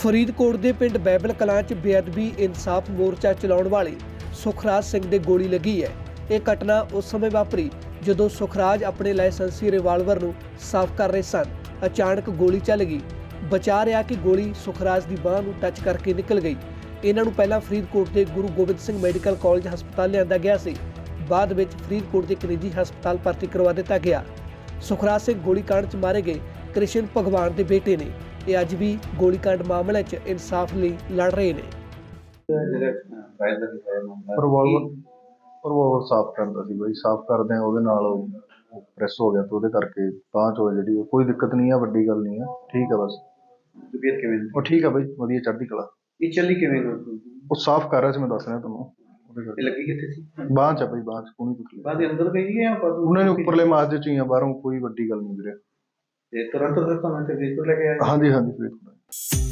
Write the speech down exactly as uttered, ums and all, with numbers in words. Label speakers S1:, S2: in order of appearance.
S1: ਫਰੀਦਕੋਟ ਦੇ ਪਿੰਡ ਬਾਈਬਲ ਕਲਾਂ 'ਚ ਬੇਅਦਬੀ ਇਨਸਾਫ ਮੋਰਚਾ ਚਲਾਉਣ ਵਾਲੇ ਸੁਖਰਾਜ ਸਿੰਘ ਦੇ ਗੋਲੀ ਲੱਗੀ ਹੈ। ਇਹ ਘਟਨਾ ਉਸ ਸਮੇਂ ਵਾਪਰੀ ਜਦੋਂ ਸੁਖਰਾਜ ਆਪਣੇ ਲਾਇਸੈਂਸੀ ਰਿਵਾਲਵਰ ਨੂੰ ਸਾਫ਼ ਕਰ ਰਹੇ ਸਨ। ਅਚਾਨਕ ਗੋਲੀ ਚੱਲ ਗਈ। ਬਚਾ ਰਿਹਾ ਕਿ ਗੋਲੀ ਸੁਖਰਾਜ ਦੀ ਬਾਂਹ ਨੂੰ ਟੱਚ ਕਰਕੇ ਨਿਕਲ ਗਈ। ਇਹਨਾਂ ਨੂੰ ਪਹਿਲਾਂ ਫਰੀਦਕੋਟ ਦੇ ਗੁਰੂ ਗੋਬਿੰਦ ਸਿੰਘ ਮੈਡੀਕਲ ਕਾਲਜ ਹਸਪਤਾਲ ਲਿਆਂਦਾ ਗਿਆ ਸੀ। ਬਾਅਦ ਵਿੱਚ ਫਰੀਦਕੋਟ ਦੇ ਇੱਕ ਨਿੱਜੀ ਹਸਪਤਾਲ ਭਰਤੀ ਕਰਵਾ ਦਿੱਤਾ ਗਿਆ। ਸੁਖਰਾਜ ਸਿੰਘ ਗੋਲੀकांड 'ਚ ਮਾਰੇ ਗਏ ਕ੍ਰਿਸ਼ਨ ਭਗਵਾਨ ਦੇ ਬੇਟੇ ਨੇ। ਇਹ ਅੱਜ ਵੀ ਗੋਲੀकांड ਮਾਮਲੇ 'ਚ ਇਨਸਾਫ ਲਈ ਲੜ ਰਹੇ ਨੇ।
S2: ਰਿਵਾਲਵਰ ਰਿਵਾਲਵਰ ਸਾਫ਼ ਕਰਦਾ ਸੀ ਬਾਈ, ਸਾਫ਼ ਕਰਦੇ ਆ ਉਹਦੇ ਨਾਲ ਉਹ ਪ੍ਰੈਸ ਹੋ ਗਿਆ ਤੇ ਉਹਦੇ ਕਰਕੇ ਤਾਂ ਚੋ ਜਿਹੜੀ ਕੋਈ ਦਿੱਕਤ ਨਹੀਂ ਆ, ਵੱਡੀ ਗੱਲ ਨਹੀਂ ਆ, ਠੀਕ ਆ ਬਸ।
S3: ਤਬੀਅਤ ਕਿਵੇਂ
S2: ਉਹ ਠੀਕ ਆ ਬਾਈ, ਵਧੀਆ ਚੜ੍ਹਦੀ ਕਲਾ।
S3: ਇਹ ਚੱਲੀ ਕਿਵੇਂ
S2: ਉਹ ਸਾਫ਼ ਕਰ ਰਿਹਾ ਸੀ, ਮੈਂ ਦੱਸ ਰਿਹਾ ਤੁਹਾਨੂੰ। ਉਹਦੇ
S3: ਇਹ
S2: ਕਰਕੇ
S3: ਲੱਗੀ ਕਿੱਥੇ ਸੀ?
S2: ਬਾਂਹ ਚ ਆ ਬਾਈ, ਬਾਂਹ ਚ ਕੋਣੀ ਤਕਲੀਫ।
S3: ਬਾਅਦ ਦੇ ਅੰਦਰ ਗਈ ਹੈ ਜਾਂ ਬਾਅਦ
S2: ਉਹਨਾਂ ਨੇ ਉੱਪਰਲੇ ਮਾਸ ਦੇ ਚ ਹੀ ਆ, ਬਾਹਰੋਂ ਕੋਈ ਵੱਡੀ ਗੱਲ ਨਹੀਂ ਵੀਰੇ।
S3: ਤੇ ਤੁਰੰਤ ਫਿਰ ਤੁਹਾਨੂੰ ਇੱਥੇ ਫਰੀਦਕੋਟ ਲੈ ਕੇ ਆਏ?
S2: ਹਾਂਜੀ ਹਾਂਜੀ ਬਿਲਕੁਲ।